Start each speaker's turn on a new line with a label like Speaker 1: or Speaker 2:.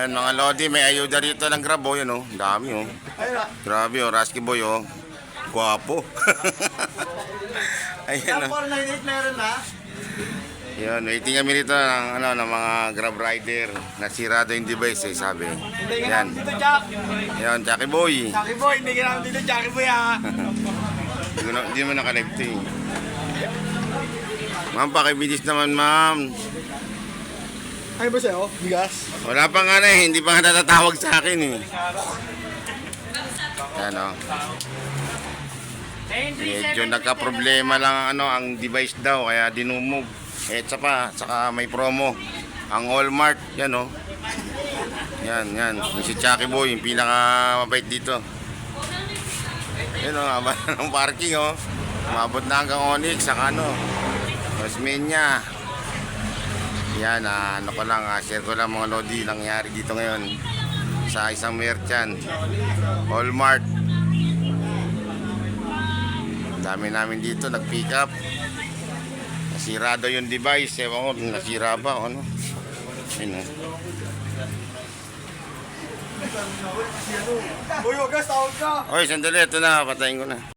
Speaker 1: Ayan mga Lodi, may ayuda rito ng Grab oh, yun oh. Dami oh. Grabe oh, Rasky Boy oh. Guwapo. Ayan oh.
Speaker 2: 498 meron na.
Speaker 1: Yun, waiting kami rito ng, ng mga Grab rider. Nasirado yung device eh, sabi.
Speaker 2: Hindi ka
Speaker 1: Ayan.
Speaker 2: namin dito, Jack.
Speaker 1: Ayan, Chucky Boy.
Speaker 2: Chucky Boy, hindi ka namin dito, Chucky Boy ha.
Speaker 1: Hindi mo nakalect eh. Ma'am, pakibilis naman ma'am.
Speaker 2: Ay ba sa'yo? Bigas?
Speaker 1: Wala pa nga na eh, hindi pa nga natatawag sa akin eh. Ayan o. Medyo nagka-problema lang ang device daw, kaya dinumog. Eh, saka may promo. Ang Walmart, yan o. Yan. Yung si Chucky Boy, yung pinaka-mabait dito. Yan o, haba ng parking o. Umabot na hanggang Onyx, saka Osmeña. Yan, share ko lang mga Lodi nangyari dito ngayon sa isang merchant Walmart. Dami namin dito nag-pick up. Nasira daw yung device, ewan ko nasira ba o ano. Ayun
Speaker 2: Uy, huwag ka, tawag ka.
Speaker 1: Oy, sandali, ito na, patayin ko na.